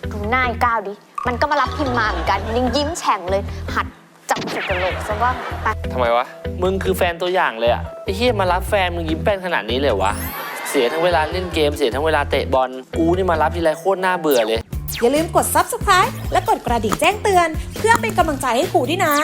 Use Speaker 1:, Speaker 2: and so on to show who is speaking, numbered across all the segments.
Speaker 1: ดูหน้าไอ้ก้าวดิมันก็มารับพิมพ์มาเหมือนกันยังยิ้มแฉ่งเลยหัดจับจุกกระโหลกซะว่าไป
Speaker 2: ทำไมวะมึงคือแฟนตัวอย่างเลยอะไอ้เหี้ยมารับแฟนมึงยิ้มแป้นขนาดนี้เลยวะเสียทั้งเวลาเล่นเกมเสียทั้งเวลาเตะบอลกูนี่มารับทีไรโคตรน่าเบื่อเลย
Speaker 3: อย่าลืมกด Subscribe และกดกระดิ่งแจ้งเตือนเพื่อเป็นกำลังใจให้ครูด้วยนะ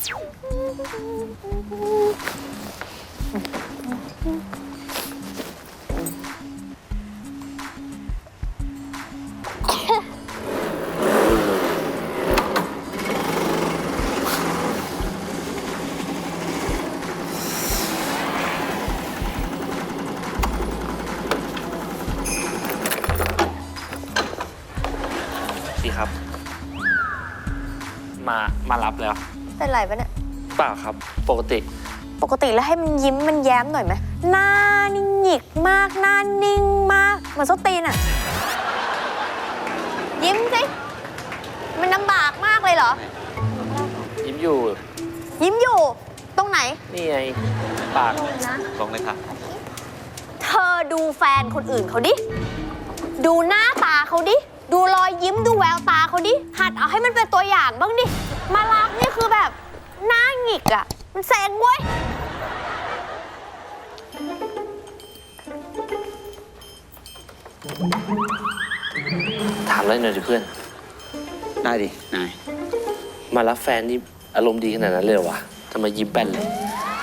Speaker 2: พี่ครับมารับแล้ว
Speaker 1: เป็นไรปะเนี่ย
Speaker 2: เปล่าครับปกติ
Speaker 1: แล้วให้มันยิ้มมันแย้มหน่อยไหมหน้านิ่งหงิกมากหน้านิ่งมากเหมือนส้นตีนอะยิ้มสิมันลำบากมากเลยเหรอ
Speaker 2: ยิ้มอยู่
Speaker 1: ตรงไหน
Speaker 2: นี่ไงปาก
Speaker 4: ลงเลยครับ
Speaker 1: เธอดูแฟนคนอื่นเขาดิดูหน้าตาเขาดิดูรอยยิ้มดูแววตาเขาดิหัดเอาให้มันเป็นตัวอย่างบ้างดิมารับนี่คือแบบหน้าหงิกอะมันแสงเว้ย
Speaker 2: ถามอะไรหน่อยดิเพื่อน
Speaker 4: ได้ดินาย
Speaker 2: มารับแฟนนี่อารมณ์ดีขนาดนั้นเลยเหรอวะทำไมยิ้มแป้นเลย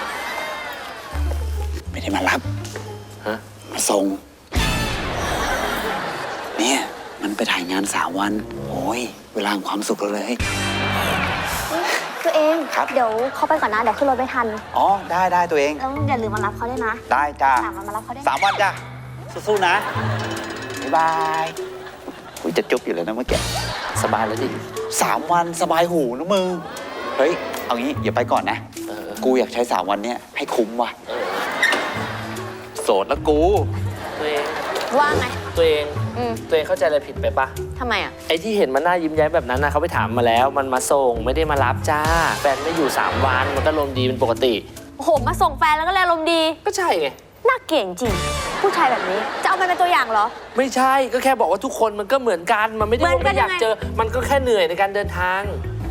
Speaker 4: ไม่ได้มารับ
Speaker 2: ฮะ
Speaker 4: มาส่งเนี่ยมันไปถ่ายงาน3 วันโอ้ยเวลาความสุขเราเลย
Speaker 1: ตัวเองเดี๋ยวเขาไปก่อนนะเดี๋ยวขึ้นรถไม่ทัน
Speaker 4: อ๋อได้ตัวเอง
Speaker 1: แล้วอย่าลืมมารับเขาด้วยนะ
Speaker 4: ได้จ้า
Speaker 1: 3 วันมารับเขาได้
Speaker 4: 3 วันจ้าสู้ๆนะบ๊ายบายกูจะจุ๊บอยู่แล้วนะเมื่อกี้
Speaker 2: สบายแล้วดิ
Speaker 4: 3 วันสบายหูนะมึงเฮ้ยเอางี้อย่าไปก่อนนะกูอยากใช้3 วันเนี้ยให้คุ้มว่ะโสดแล้วกู
Speaker 2: ตัวเอง
Speaker 1: ว่าไง
Speaker 2: ตัวเองเข้าใจอะไรผิดไปปะ
Speaker 1: ทำไมอ่ะ
Speaker 2: ไอ้ที่เห็นมันหน้ายิ้มแย้มแบบนั้นนะเขาไปถามมาแล้วมันมาส่งไม่ได้มารับจ้าแฟนไม่อยู่3 วันมันก็ลมดีเป็นปกติ
Speaker 1: โอ้โหมาส่งแฟนแล้วก็แลลมดี
Speaker 2: ก็ใช่ไง
Speaker 1: น่าเก่งจริงผู้ชายแบบนี้จะเอามันเป็นตัวอย่างเหรอ
Speaker 2: ไม่ใช่ก็แค่บอกว่าทุกคนมันก็เหมือนกันมันไม่ได้ว่าไม่อยากเจอมันก็แค่เหนื่อยในการเดินทาง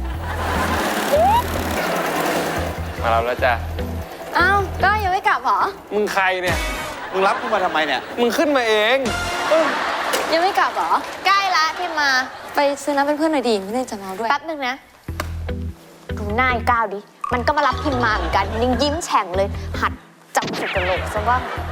Speaker 2: มารับแล้วจ้า
Speaker 1: อ้าวก็ยังไม่กลับเหรอ
Speaker 4: มึงใครเนี่ยมึงรับกูมาทำไมเนี่ย
Speaker 2: มึงขึ้นมาเอง
Speaker 1: ยังไม่กลับเหรอใกล้ละที่มาไปซื้อน้ำเป็นเพื่อนหน่อยดิไม่ได้จะเมาด้วยแป๊บนึงนะดูหน้าไอ้ก้าวดิมันก็มารับพิมพ์มาเหมือนกันยังยิ้มแฉ่งเลยหัดจับจุกกระโหลกซะว่าไป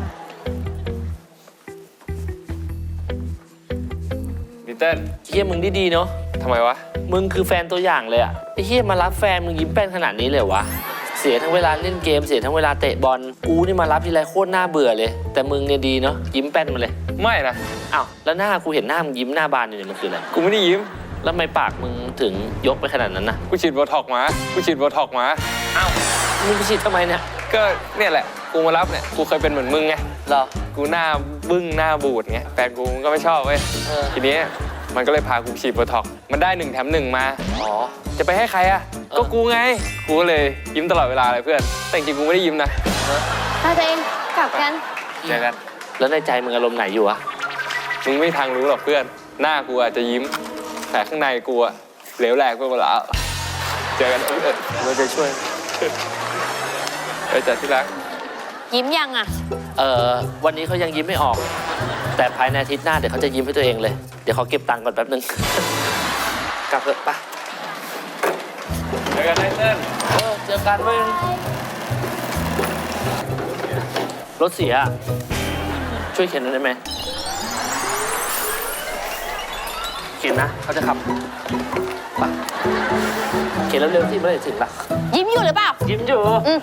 Speaker 2: พี่เติ้ลเฮียมึงดีๆเนาะทำไมวะมึงคือแฟนตัวอย่างเลยอะไอ้เฮียมารับแฟนมึงยิ้มแป้นขนาดนี้เลยวะเสียทั้งเวลาเล่นเกมเสียทั้งเวลาเตะบอลกูนี่มารับทีไรโคตรน่าเบื่อเลยแต่มึงเนี่ยดีเนาะยิ้มแป้นมาเลยไม่นะอ้าวแล้วหน้ากูเห็นหน้ามึงยิ้มหน้าบานอยู่เนี่ยมันคืออะไรกูไม่ได้ยิ้มแล้วทำไมปากมึงถึงยกไปขนาดนั้นนะกูฉีดโบท็อกมาอ้าวมึงไปฉีดทำไมเนี่ยก็เนี่ยแหละกูมารับเนี่ยกูเคยเป็นเหมือนมึงไงเหรอกูหน้าบึ้งหน้าบูดไงแฟนกูก็ไม่ชอบเว้ยทีนี้มันก็เลยพากูฉีดโบท็อกมันได้1 แถม 1มาอ๋อจะไปให้ใครอะก็กูไงกูก็เลยยิ้มตลอดเวลาเลยเพื่อนแต่จริงๆกูไม่ได้ยิ้มนะ
Speaker 1: ถ้าตัวเองกลับกัน
Speaker 2: เจอกันแล้วในใจมึงอารมณ์ไหนอยู่อะมึงไม่ทางรู้หรอกเพื่อนหน้ากูอาจจะยิ้มแต่ข้างในกูอะเหลวแหลกไปหมดแล้วเจอกันเราจะช่วยไปจัดที่รัก
Speaker 1: ยิ้มยังอะ
Speaker 2: วันนี้เขายังยิ้มไม่ออกแต่ภายในอาทิตย์หน้าเดี๋ยวเขาจะยิ้มให้ตัวเองเลยเดี๋ยวเขาเก็บตังค์ก่อนแป๊บนึงกลับเถอะปะเจอกันไนเติ้ลเจอกันเว้ยรถเสียช่วยเข็นหน่อยได้ไหมเข็นนะเขาจะขับปะเข็นเร็วๆที่เมื่อไหร่ถึงละ
Speaker 1: ยิ้มอยู่หรือเปล่า
Speaker 2: ยิ้มอยู่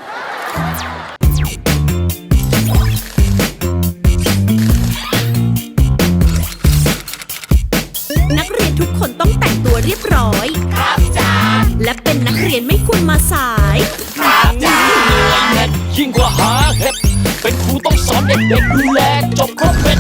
Speaker 3: นักเรียนทุกคนต้องแต่งตัวเรียบร้อยครับจ้าและเป็นนักเรียนไม่ควรมาสายครับจ้า
Speaker 5: ยิ่งกว่าหาเห็ดเป็นครูต้องสอนเด็กๆดูแลจบครบ